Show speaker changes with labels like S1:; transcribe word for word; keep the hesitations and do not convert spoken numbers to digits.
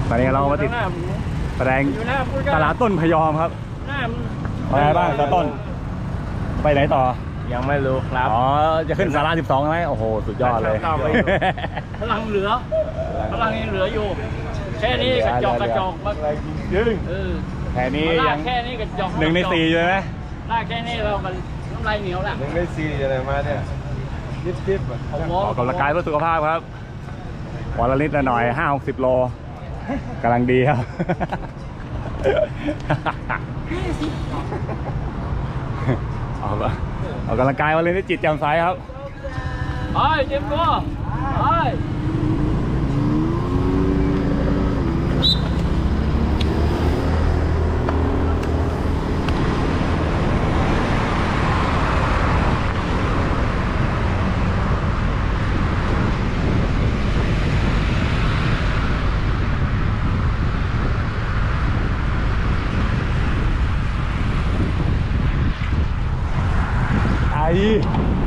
S1: ตอนนี้เรามาติดแสดงตลาดต้นพยอมครับไปไหนบ้างตาต้นไปไหนต่อ
S2: ยังไม่รู้ครับ
S1: อ๋อจะขึ้นศาลาสิบสองไหมโอ้โหสุดยอดเลย
S3: พลังเหลือพลังยังเหลืออยู่แค่นี้กระจอกกระจอกมาก
S1: ยึงแค่นี้ยัง
S3: แค่นี้กระจอก
S1: หนึ่งในสี่ใช่ไหม
S3: ลากแค่นี้เรามันน้ำลายเหนียวละ
S2: หนึ่งในสี่อะไรมาเนี่ยยิบยิบ
S1: ออกกำลังกายเพื่อสุขภาพครับวันละนิดละหน่อยห้าหกสิบโลกำลังดีครับออกออกกำลังกายวันละนิดจิตแจ่มใสครับ
S3: ไปเจ็บตัวไป
S1: ไอ้